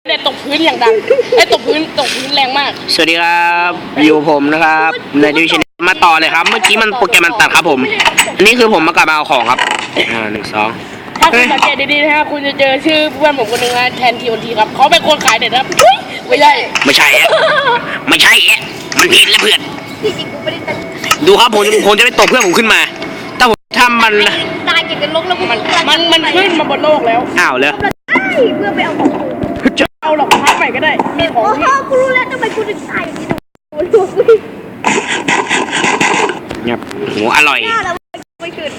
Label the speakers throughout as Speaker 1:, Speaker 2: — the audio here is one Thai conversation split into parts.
Speaker 1: เนี่ยตกพื้นอย่างดังไอ้ตกพื้นแรงมาก
Speaker 2: สวัสดีครับอยู่ผมนะครับในดิวิชั่นมาต่อเลยครับเมื่อกี้มันโปรแกรมมันตัดครับผมอันนี้คือผมมากลับมาเอาของครับ1 2
Speaker 1: ถ้าคุณสังเกตดีๆนะฮะคุณจะเจอชื่อเพื่อนผมคนหนึ่งนะแทนทีวันทีครับเขาเป็นคนขายเด็ดครับไม่ใช่
Speaker 2: ไม่ใช่มันผิดแล้วเพื่อน
Speaker 3: ที่จริงกูไม่ได้ตั้งใจ
Speaker 2: ดูครับผมจะไปตบเพื่อนผมขึ้นมาถ้าผมทำมัน
Speaker 3: ตายเก่งกันลงแล้ว
Speaker 1: มันขึ้นมาบนโลกแล้ว
Speaker 2: อ้าวเลย
Speaker 3: เพื่อไปเอาของกู
Speaker 1: จะเอาหรอกพักใหม่ก็ได้มีของ
Speaker 3: โอ้โหกูรู้แล้วทำไมกูถึงตายอย่างนี้ดูกูดิ
Speaker 2: เงียบโหอร่อย
Speaker 3: แล้วไม่ขึ้น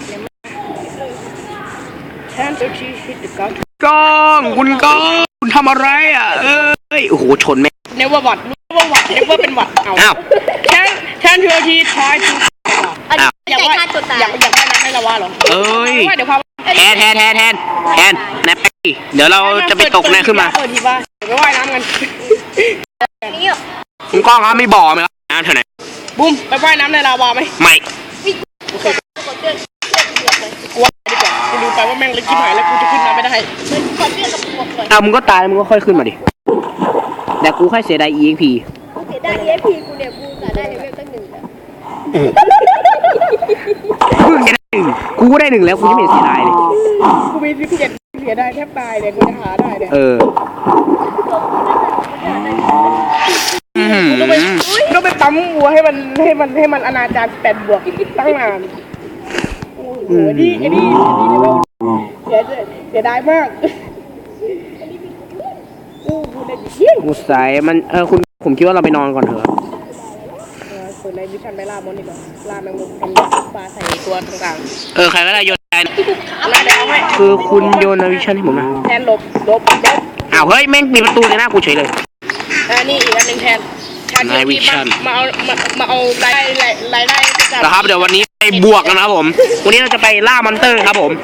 Speaker 1: แทนตัวชีฮิตเดอะก็อด
Speaker 2: ก้องคุณทำอะไรอ่ะเอ้ยโอ้โหชนแม่
Speaker 1: เนเวอร์วัดเนเวอร์เป็นวัดเอาแทนตัวชีทายทูอยากว่าน้ำให้ละว่าหรอเดี๋ยวพา
Speaker 2: แทนนะไปเดี๋ยวเราจะไปตกในขึ้นมา
Speaker 1: ทีว่าเดี๋ยวไปว่ายน้ำกัน
Speaker 3: นี่อ่ะ
Speaker 2: คุณก้องครับมีบ่อไหมครับน้ำเท่าไหร่
Speaker 1: บุ้มไปว่ายน้ำในลาวาไหม
Speaker 2: ไม่
Speaker 1: โอเคกูว่าดีกว่ากูดูไปว่าแม่งเล็กชิบหายแล้วกูจะขึ้นมาไม่ได้
Speaker 3: ขอเลือกกับพวกเลย
Speaker 2: มึงก็ตายมึงก็ค่อยขึ้นมาดิแต่กูแค่เสียดาย EXP
Speaker 3: กูเสียได้ EXP กูเนี่ยกูสาได้เลเวลตั้ง1แล้ว
Speaker 2: มึงจะได้1กูก็ได้1แล้วกูยังไม่เสียดายเลย
Speaker 1: กูมี17เสียได้แทบตายเลยกูจะหาได้เนี่ยต้องไปปั๊มวัวให้มันอนาจาร8 บวกตั้งนานโอ้โหนี่เสียดายมาก
Speaker 2: กูใส่มันผมคิดว่าเราไปนอนก่อนเถอะ
Speaker 1: เปิดในวิชันไปล่ามอนดีกว่าล่าแมงมุมทำปลาใส่ตัวต่าง
Speaker 2: ๆใครก็ได้โยนได้
Speaker 1: คือ
Speaker 2: คุณโยนในวิชันให้ผมนะ
Speaker 1: แทนหลบ
Speaker 2: อ้าวเฮ้ยแม่งมีประตูในหน้ากูเฉยเลย
Speaker 1: นี่อีกอันนึงแทน
Speaker 2: ในวิชัน
Speaker 1: มาเอารายได้
Speaker 2: นะครับเดี๋ยววันนี้ไปบวกกันนะครับผมวันนี้เราจะไปล่ามอนเตอร์ครับผม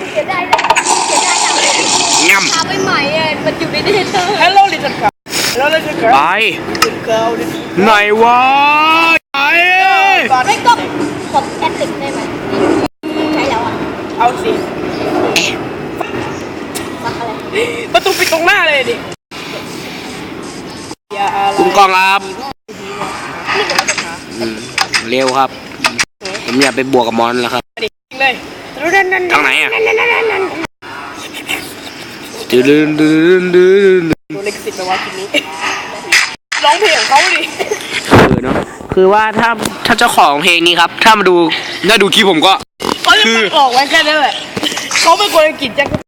Speaker 2: ง่ำ
Speaker 3: ทำใหม่ๆมันอยู่ในเดเตอร์
Speaker 1: Hello little girl Hello little girl
Speaker 2: ไปไหนวะ
Speaker 3: ไม่ก็ขอแอดติกได้ไหมใช่แล้วอ่ะ
Speaker 1: เอาสิประตูปิดตรงหน้าเลยดิ
Speaker 2: คุณกองครับเร็วครับผมอยากไปบวกกับมอนแล้วครับทางไหนอ่ะ
Speaker 1: ตัวเล็กสิบไปว่าทีนี้ร้องเพลงของเขาดิ
Speaker 2: เนาะคือว่าถ้าเจ้าของเพลงนี้ครับถ้ามาดูคลิปผมก็
Speaker 1: เขาจะตัดออกไว้แค่นั้นแหละเขาเป็นคนอังกฤษจะ